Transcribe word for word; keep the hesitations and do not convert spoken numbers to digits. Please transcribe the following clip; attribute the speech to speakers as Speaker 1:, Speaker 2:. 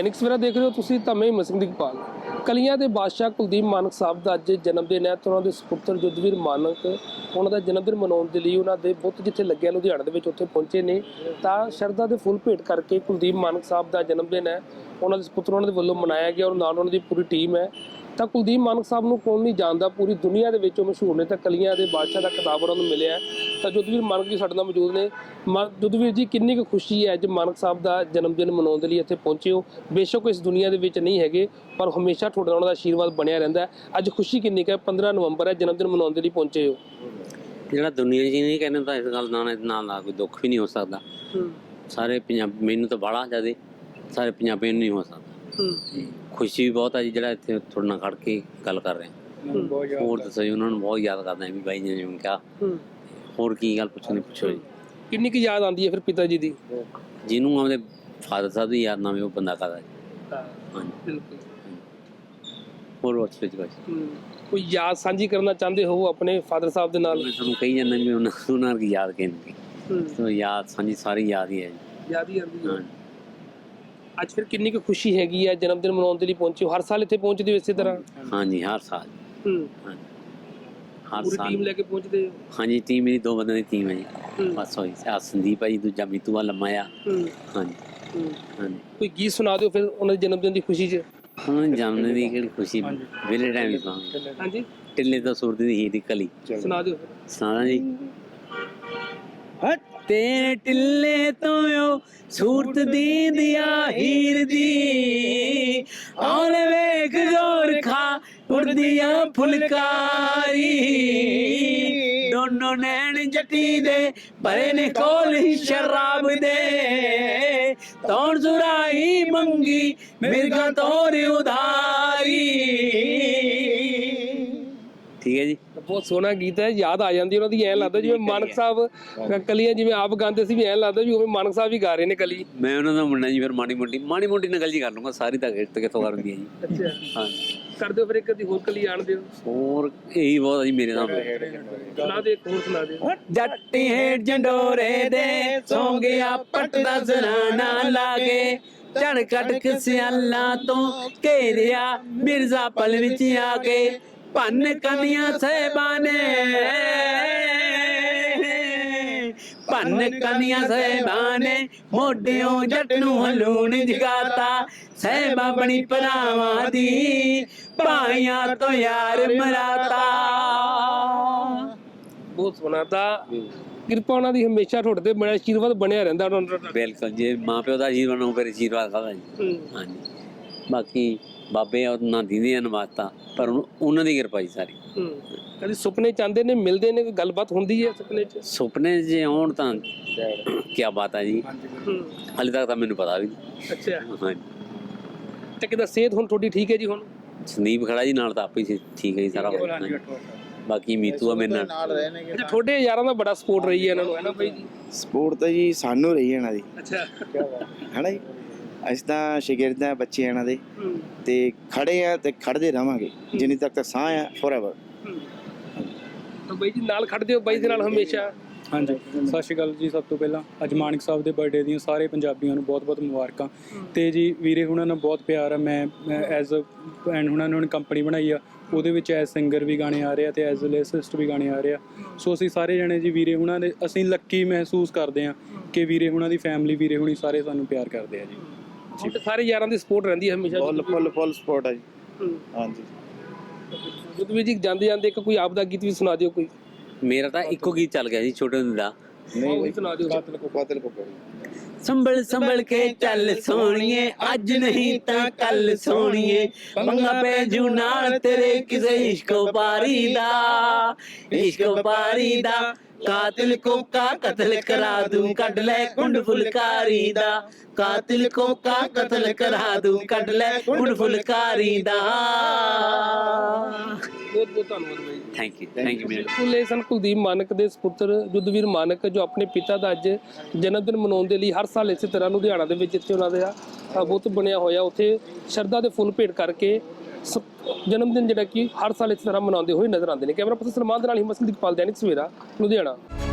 Speaker 1: दैनिक सवेरा देख रहे हो तुसीं तां मैं मसिंह दिगपाल। कलियां दे बादशाह कुलदीप मानक साहब ਦਾ ਅੱਜ ਜਨਮ ਦਿਨ ਹੈ ਤੇ ਉਹਨਾਂ ਦੇ ਸੁਪੁੱਤਰ ਯੁੱਧਵੀਰ ਮਾਨਕ ਉਹਨਾਂ ਦਾ ਜਨਮ ਦਿਨ ਮਨਾਉਣ ਦੇ ਲਈ ਉਹਨਾਂ ਦੇ ਬੁੱਤ ਜਿੱਥੇ ਲੱਗਿਆ ਲੁਧਿਆਣਾ ਦੇ ਵਿੱਚ ਉੱਥੇ ਪਹੁੰਚੇ ਨੇ ਤਾਂ ਸ਼ਰਧਾ ਦੇ ਫੁੱਲ ਭੇਟ ਕਰਕੇ ਕੁਲਦੀਪ ਮਾਨਕ ਸਾਹਿਬ ਦਾ ਜਨਮ ਦਿਨ ਹੈ ਉਹਨਾਂ ਦੇ ਸੁਪੁੱਤਰ ਉਹਨਾਂ ਦੇ ਵੱਲੋਂ ਮਨਾਇਆ ਗਿਆ ਔਰ ਨਾਲ ਉਹਨਾਂ ਦੀ ਪੂਰੀ ਟੀਮ ਹੈ। ਤਾਂ ਕੁਲਦੀਪ ਮਾਨਕ ਸਾਹਿਬ ਨੂੰ ਕੌਣ ਨਹੀਂ ਜਾਣਦਾ, ਪੂਰੀ ਦੁਨੀਆ ਦੇ ਵਿੱਚ ਉਹ ਮਸ਼ਹੂਰ ਨੇ ਤਾਂ ਕਲੀਆਂ ਦੇ ਬਾਦਸ਼ਾਹ ਦਾ ਖਿਤਾਬ ਉਹਨਾਂ ਨੂੰ ਮਿਲਿਆ। ਤਾਂ ਯੁੱਧਵੀਰ ਮਾਨਕ ਜੀ ਸਾਡੇ ਨਾਲ ਮੌਜੂਦ ਨੇ। ਯੁੱਧਵੀਰ ਜੀ, ਕਿੰਨੀ ਕੁ ਖੁਸ਼ੀ ਹੈ ਅੱਜ ਮਾਨਕ ਸਾਹਿਬ ਦਾ ਜਨਮ ਦਿਨ ਮਨਾਉਣ ਦੇ ਲਈ ਇੱਥੇ ਪਹੁੰਚੇ ਹੋ? ਬੇਸ਼ੱਕ ਇਸ ਦੁਨੀਆ ਦੇ ਵਿੱਚ ਨਹੀਂ ਹੈਗੇ ਪਰ ਹਮੇਸ਼ਾ ਤੁਹਾਡਾ ਉਹਨਾਂ ਦਾ ਆਸ਼ੀਰਵਾਦ ਬਣਿਆ ਰਹਿੰਦਾ ਹੈ। ਅੱਜ ਖੁਸ਼ੀ ਕਿੰਨੀ ਕੁ ਹੈ? ਪੰਦਰਾਂ ਨਵੰਬਰ ਹੈ, ਜਨਮ ਦਿਨ ਮਨਾਉਣ ਦੇ ਲਈ ਪਹੁੰਚੇ ਹੋ।
Speaker 2: ਜਿਹੜਾ ਦੁਨੀਆ 'ਚ ਨਹੀਂ ਕਹਿੰਦੇ ਤਾਂ ਇਸ ਗੱਲ ਨਾਲ ਨਾਲ ਨਾਲ ਕੋਈ ਦੁੱਖ ਵੀ ਨਹੀਂ ਹੋ ਸਕਦਾ। ਸਾਰੇ ਪੰਜਾਬ ਮੈਨੂੰ ਤਾਂ ਬਾਹਲਾ ਜ਼ਿਆਦਾ ਸਾਰੇ ਪੰਜਾਬੀਆਂ ਨੂੰ ਨਹੀਂ ਹੋ ਸਕਦਾ। ਖੁਸ਼ੀ ਵੀ ਬਹੁਤ ਹੈ ਜੀ ਜਿਹੜਾ ਇੱਥੇ ਤੁਹਾਡੇ ਨਾਲ ਖੜ ਕੇ ਗੱਲ ਕਰ ਰਹੇ ਹਾਂ। ਹੋਰ ਦੱਸੋ ਜੀ, ਉਹਨਾਂ ਨੂੰ ਬਹੁਤ ਯਾਦ ਕਰਦਾ ਵੀ ਬਾਈ ਜੀ ਨੇ ਕਿਹਾ। ਹੋਰ ਕੀ ਗੱਲ ਪੁੱਛਣੀ ਪੁੱਛੋ ਜੀ।
Speaker 1: ਕਿੰਨੀ ਕੁ ਯਾਦ ਆਉਂਦੀ ਹੈ ਫਿਰ ਪਿਤਾ ਜੀ ਦੀ?
Speaker 2: ਜਿਹਨੂੰ ਆਪਣੇ ਫਾਦਰ ਸਾਹਿਬ ਦੀ ਯਾਦ ਨਾ ਆਵੇ ਉਹ ਬੰਦਾ ਕਰਦਾ ਜੀ। ਹਾਂਜੀ
Speaker 1: ਬਿਲਕੁਲ।
Speaker 2: ਹੋਰ ਉਸ ਵਿੱਚ ਬਸ
Speaker 1: ਕੋਈ ਯਾਦ ਸਾਂਝੀ ਕਰਨਾ ਚਾਹੁੰਦੇ ਹੋ ਆਪਣੇ ਫਾਦਰ ਸਾਹਿਬ ਦੇ ਨਾਲ?
Speaker 2: ਮੈਂ ਤੁਹਾਨੂੰ ਕਹੀ ਜਾਂਦਾ ਵੀ ਉਹਨਾਂ ਉਹਨਾਂ ਦੀ ਯਾਦ ਕਹਿੰਦੇ ਸੋ ਯਾਦ ਸਾਂਝੀ ਸਾਰੀ ਯਾਦ ਹੀ ਹੈ ਜੀ।
Speaker 1: ਯਾਦ ਹੀ ਆਉਂਦੀ ਹੈ। ਅੱਜ ਫਿਰ ਕਿੰਨੀ ਕੁ ਖੁਸ਼ੀ ਹੈਗੀ ਹੈ ਜਨਮ ਦਿਨ ਮਨਾਉਣ ਦੇ ਲਈ ਪਹੁੰਚੇ ਹੋ? ਹਰ ਸਾਲ ਇੱਥੇ ਪਹੁੰਚਦੇ ਹੋ ਇਸੇ ਤਰ੍ਹਾਂ?
Speaker 2: ਹਾਂਜੀ ਹਰ ਸਾਲ।
Speaker 1: ਹੂੰ
Speaker 2: ਹਰ
Speaker 1: ਪੂਰੀ
Speaker 2: ਸਾਲ
Speaker 1: ਟੀਮ ਲੈ ਕੇ ਪਹੁੰਚਦੇ ਹੋ?
Speaker 2: ਹਾਂਜੀ ਟੀਮ ਮੇਰੀ ਦੋ ਬੰਦਿਆਂ ਦੀ ਟੀਮ ਹੈ ਜੀ। ਬਸ ਹੋਈ ਆ ਸੰਦੀਪ ਆ ਜੀ, ਦੂਜਾ ਮੀਤੂ ਆ ਲੰਮਾ ਆ। ਹਾਂਜੀ ਹਾਂਜੀ।
Speaker 1: ਕੋਈ ਗੀਤ ਸੁਣਾ ਦਿਓ ਫਿਰ ਉਹਨਾਂ ਦੇ ਜਨਮ ਦਿਨ ਦੀ ਖੁਸ਼ੀ 'ਚ।
Speaker 2: ਉਹਨਾਂ ਦੇ ਜਨਮ ਦੀ ਕਿਹੜੀ ਖੁਸ਼ੀ ਵੇਲੇ ਟਾਈਮ ਤਾਂ
Speaker 1: ਹਾਂਜੀ
Speaker 2: ਟਿੱਲੇ ਤੋਂ ਸੂਰਤ ਦੀ ਹੀ ਦੀ ਕਲੀ
Speaker 1: ਸੁਣਾ ਦਿਓ।
Speaker 2: ਸੁਣਾ ਜੀ। ਤੇਰੇ ਟਿੱਲੇ ਤੋਂ ਓ ਸੂਰਤ ਦੀ ਦਿਆ ਹੀਰ ਦੀ ਆਉਣ ਵੇਖ ਗੋਰ ਖਾ ਉੜਦੀਆਂ ਫੁਲਕਾਰੀ ਦੋਨੋਂ ਨੈਣ ਜੱਟੀ ਦੇ ਭਰੇ ਨੇ ਕੋਲ ਹੀ ਸ਼ਰਾਬ ਦੇ ਤੌਣ ਸੁਰਾਈ ਮੰਗੀ ਮਿਰਗਾ ਤੋਰ ਉਧਾਰੀ। ਠੀਕ ਹੈ ਜੀ।
Speaker 1: ਬਹੁਤ ਸੋਹਣਾ ਗੀਤ ਹੈ, ਯਾਦ ਆ ਜਾਂਦੀ ਉਹਨਾਂ ਦੀ। ਐਂ ਲੱਗਦਾ ਜਿਵੇਂ ਮਾਨਕ ਸਾਹਿਬ ਕਲੀਆਂ ਜਿਵੇਂ ਆਪ ਗਾਉਂਦੇ ਸੀ ਵੀ ਐਂ ਲੱਗਦਾ ਵੀ ਉਵੇਂ ਮਾਨਕ ਸਾਹਿਬ ਵੀ ਗਾ ਰਹੇ ਨੇ ਕਲੀ।
Speaker 2: ਮੈਂ ਉਹਨਾਂ ਦਾ ਮੁੰਡਾ ਜੀ, ਫਿਰ ਮਾੜੀ ਮੋਟੀ ਮਾੜੀ ਮੋਟੀ ਨਾਲ ਗੱਲ ਜੀ ਕਰ ਲੂੰਗਾ, ਸਾਰੀ ਤਾਂ ਗਿਰਤ ਕਿੱਥੋਂ ਕਰਦੀ ਹੈ ਜੀ।
Speaker 1: ਅੱਛਾ
Speaker 2: ਹਾਂ
Speaker 1: ਕਰ ਦਿਓ ਫਿਰ ਇੱਕ ਅੱਧੀ ਹੋਰ ਕਲੀ ਆਣ ਦਿਓ।
Speaker 2: ਹੋਰ ਇਹੀ ਬਹੁਤ ਆ ਜੀ ਮੇਰੇ ਨਾਲ।
Speaker 1: ਸੁਣਾ ਦੇ, ਹੋਰ ਸੁਣਾ ਦਿਓ।
Speaker 2: ਜੱਟ ਹੇਠ ਜੰਡੋਰੇ ਦੇ ਸੌਂ ਗਿਆ ਪੱਟ ਦਾ ਜ਼ਨਾਨਾ ਲਾ ਕੇ ਝੜ ਕੱਢ ਸਿਆਲਾਂ ਤੋਂ ਘੇਰਿਆ ਮਿਰਜ਼ਾ ਪਲ ਵਿੱਚ ਆ ਕੇ ਭੰਨ ਕਨੀਆਂ ਸਹਿਬਾਂ ਨੇ ਭੰਨ ਕਨੀਆਂ ਸਹਿਬਾਂ ਨੇ ਮੋਢਿਓਂ ਜੱਟ ਨੂੰ ਹਲੂਣ ਜਗਾਤਾ ਸਹਿਬਾਂ ਬਣੀ ਭਰਾਵਾਂ ਦੀ ਭਾਈਆਂ ਤੋਂ ਯਾਰ ਮਰਾਤਾ।
Speaker 1: ਬਹੁਤ ਸੋਹਣਾ। ਤਾਂ ਕਿਰਪਾ ਉਹਨਾਂ ਦੀ ਹਮੇਸ਼ਾ ਤੁਹਾਡੇ ਤੇ ਬੜਾ ਆਸ਼ੀਰਵਾਦ ਬਣਿਆ ਰਹਿੰਦਾ ਉਹਨਾਂ ਦਾ।
Speaker 2: ਬਿਲਕੁਲ, ਜੇ ਮਾਂ ਪਿਓ ਦਾ ਆਸ਼ੀਰਵਾਦ ਹੋਵੇ ਫਿਰ ਆਸ਼ੀਰਵਾਦ ਖਾਦਾ ਜੀ। ਹਾਂਜੀ ਬਾਕੀ ਬਾਬੇ ਉਹਨਾਂ ਦੀ ਨਵਾਤਾ ਪਰ ਉਹਨਾਂ ਦੀ ਕਿਰਪਾ ਜੀ ਸਾਰੀ। ਕਦੇ ਸੁਪਨੇ ਚਾਹੁੰਦੇ ਨੇ, ਮਿਲਦੇ ਨੇ, ਕੋਈ ਗੱਲਬਾਤ ਹੁੰਦੀ ਹੈ ਸੁਪਨੇ 'ਚ? ਸੁਪਨੇ ਜੇ ਆਉਣ ਤਾਂ ਕੀ ਬਾਤ ਹੈ ਜੀ। ਹਾਲੇ ਤੱਕ ਤਾਂ ਮੈਨੂੰ ਪਤਾ ਵੀ ਨਹੀਂ।
Speaker 1: ਅੱਛਾ
Speaker 2: ਹਾਂਜੀ।
Speaker 1: ਤੇ ਕਿਦਾਂ ਸਿਹਤ ਹੁਣ ਤੁਹਾਡੀ ਠੀਕ ਹੈ ਜੀ? ਹੁਣ
Speaker 2: ਸੰਦੀਪ ਖੜਾ ਜੀ ਨਾਲ ਤਾਂ ਆਪੇ ਠੀਕ ਹੈ ਜੀ ਸਾਰਾ। ਬਾਕੀ ਮੀਤੂ ਆ ਮੇਰੇ ਨਾਲ।
Speaker 1: ਅੱਛਾ ਤੁਹਾਡੇ ਯਾਰਾਂ ਦਾ ਬੜਾ ਸਪੋਰਟ ਰਹੀ ਹੈ ਇਹਨਾਂ ਨੂੰ, ਹੈ ਨਾ ਬਾਈ ਜੀ?
Speaker 3: ਸਪੋਰਟ ਤਾਂ ਜੀ ਸਾਨੂੰ ਰਹੀ ਹੈ ਇਹਨਾਂ ਦੀ।
Speaker 1: ਅੱਛਾ
Speaker 3: ਹੈ ਨਾ ਜੀ। ਅਸੀਂ ਤਾਂ ਸ਼ਾਗਿਰਦ ਆ, ਬੱਚੇ ਇਹਨਾਂ ਦੇ ਤੇ ਖੜੇ ਆ ਤੇ ਖੜਦੇ ਰਵਾਂਗੇ ਜਿੰਨੀ ਤੱਕ ਤਾਂ ਸਾਹ ਆ ਫੋਰਐਵਰ।
Speaker 1: ਤਾਂ ਬਾਈ ਜੀ ਨਾਲ ਖੜਦੇ ਹੋ ਬਾਈ ਦੇ ਨਾਲ ਹਮੇਸ਼ਾ?
Speaker 4: ਹਾਂਜੀ ਸਤਿ ਸ਼੍ਰੀ ਅਕਾਲ ਜੀ। ਸਭ ਤੋਂ ਪਹਿਲਾਂ ਅੱਜ ਮਾਨਕ ਸਾਹਿਬ ਦੇ ਬਰਥਡੇ ਦੀਆਂ ਸਾਰੇ ਪੰਜਾਬੀਆਂ ਨੂੰ ਬਹੁਤ ਬਹੁਤ ਮੁਬਾਰਕਾਂ। ਤੇ ਜੀ ਵੀਰੇ ਹੁਣਾਂ ਨਾਲ ਬਹੁਤ ਪਿਆਰ ਆ। ਮੈਂ ਐਜ਼ ਅ ਐਂਡ ਹੁਣਾਂ ਨੇ ਕੰਪਨੀ ਬਣਾਈ ਆ, ਉਹਦੇ ਵਿੱਚ ਐਜ਼ ਸਿੰਗਰ ਵੀ ਗਾਣੇ ਆ ਰਹੇ ਆ ਤੇ ਐਜ਼ ਲਿਸਟ ਵੀ ਗਾਣੇ ਆ ਰਹੇ ਆ। ਸੋ ਅਸੀਂ ਸਾਰੇ ਜਣੇ ਜੀ ਵੀਰੇ ਹੁਣਾਂ ਦੇ ਅਸੀਂ ਲੱਕੀ ਮਹਿਸੂਸ ਕਰਦੇ ਹਾਂ ਕਿ ਵੀਰੇ ਹੁਣਾਂ ਦੀ ਫੈਮਿਲੀ ਵੀਰੇ ਹੁਣੀ ਸਾਰੇ ਸਾਨੂੰ ਪਿਆਰ ਕਰਦੇ ਆ ਜੀ।
Speaker 1: ਜੀ ਸਾਰੇ ਯਾਰਾਂ ਦੀ ਸਪੋਰਟ ਰਹਿੰਦੀ ਹੈ ਹਮੇਸ਼ਾ?
Speaker 3: ਫੁੱਲ ਫੁੱਲ ਫੁੱਲ ਸਪੋਰਟ ਆ ਜੀ। ਹਾਂਜੀ।
Speaker 1: ਯੁੱਧਵੀਰ ਜੀ ਜਾਂਦੇ ਜਾਂਦੇ ਇੱਕ ਕੋਈ ਆਪ ਦਾ ਗੀਤ ਵੀ ਸੁਣਾ ਦਿਓ ਕੋਈ।
Speaker 2: ਮੇਰਾ ਤਾਂ ਇੱਕੋ ਗੀਤ ਚੱਲ ਗਿਆ ਜੀ ਛੋਟੇ ਹੁੰਦੇ ਦਾ।
Speaker 1: ਨਹੀਂ ਸੁਣਾ ਦਿਓ।
Speaker 3: ਕਾਤਲ ਕੋ ਕਾਤਲ ਕੋ
Speaker 2: ਸੰਭਲ ਸੰਭਲ ਕੇ ਚੱਲ ਸੋਣੀਏ ਅੱਜ ਨਹੀਂ ਤਾਂ ਕੱਲ ਸੋਣੀਏ ਮੰਗਾ ਪੈ ਜੂ ਨਾਲ ਤੇਰੇ ਕਿਸੇ ਇਸ਼ਕੋ ਪਾਰੀ ਦਾ ਇਸ਼ਕੋ ਪਾਰੀ ਦਾ ਕਾਤਿਲ ਕੋ ਕਾ ਕਤਲ ਕਰਾ ਦੂੰ ਕੱਢ ਲੈ ਕੁੰਡ ਫੁਲਕਾਰੀ ਦਾ ਕਾਤਿਲ ਕੋ ਕਾ ਕਤਲ ਕਰਾ ਦੂੰ ਕੱਢ ਲੈ ਕੁੰਡ ਫੁਲਕਾਰੀ ਦਾ।
Speaker 1: ਬਹੁਤ ਬਹੁਤ ਧੰਨਵਾਦ ਬਾਈ।
Speaker 2: Thank you thank you.
Speaker 1: ਬਿਲਕੁਲ ਇਹ ਸਨ ਕੁਲਦੀਪ ਮਾਨਕ ਦੇ ਸੁਪੁੱਤਰ ਯੁੱਧਵੀਰ ਮਾਨਕ ਜੋ ਆਪਣੇ ਪਿਤਾ ਦਾ ਅੱਜ ਜਨਮ ਦਿਨ ਮਨਾਉਣ ਦੇ ਲਈ ਹਰ ਸਾਲ ਇਸੇ ਤਰ੍ਹਾਂ ਲੁਧਿਆਣਾ ਦੇ ਵਿੱਚ ਜਿੱਥੇ ਉਹਨਾਂ ਦਾ ਬੁੱਤ ਬਣਿਆ ਹੋਇਆ ਉੱਥੇ ਸ਼ਰਧਾ ਦੇ ਫੁੱਲ ਭੇਟ ਕਰਕੇ ਜਨਮ ਦਿਨ ਜਿਹੜਾ ਕਿ ਹਰ ਸਾਲ ਇਸੇ ਤਰ੍ਹਾਂ ਮਨਾਉਂਦੇ ਹੋਏ ਨਜ਼ਰ ਆਉਂਦੇ ਨੇ। ਕੈਮਰਾ ਪਰਸਨ ਸਲਮਾਨ ਦੇ ਨਾਲ ਹਿੰਮਤ ਸਿੰਘ ਦਿਗਪਾਲ, ਦੈਨਿਕ ਸਵੇਰਾ, ਲੁਧਿਆਣਾ।